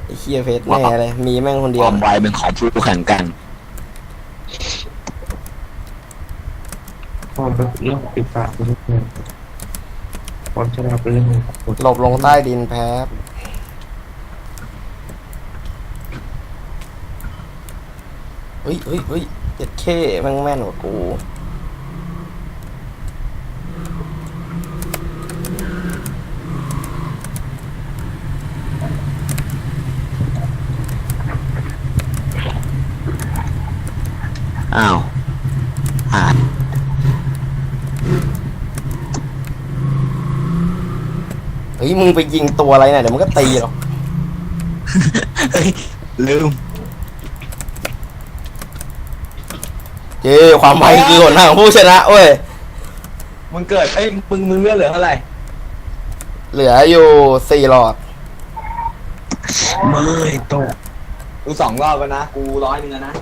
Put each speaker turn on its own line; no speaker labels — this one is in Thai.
ไอ้เคียเพชรแน่เลยมีแม่งคนเดียว
ความไวเป็นของผู้แข่งกัน
ความเป็นเรื่องปิดปากเป็นเรื่องความฉลาดเป็นเรื่องของ
หลบลงใต้ดินแพ้เฮ้ยเจ็ดเข้แม่งแม่นกว่ากู
อ้าวหาย
เฮ้ยมึงไปยิงตัวอะไรเนี่ยเดี๋ยวมันก็ตีหรอก
เฮ้ยลืม
เจ้ความไวคือหนทางของผู้ชนะเว้ย
มึงเกิดมึงเลือดเหลือเท่าไหร่
เหลืออยู่4 หลอด
ไม่ตกกู2 รอบแล้วนะกู100 นึงแล้วนะ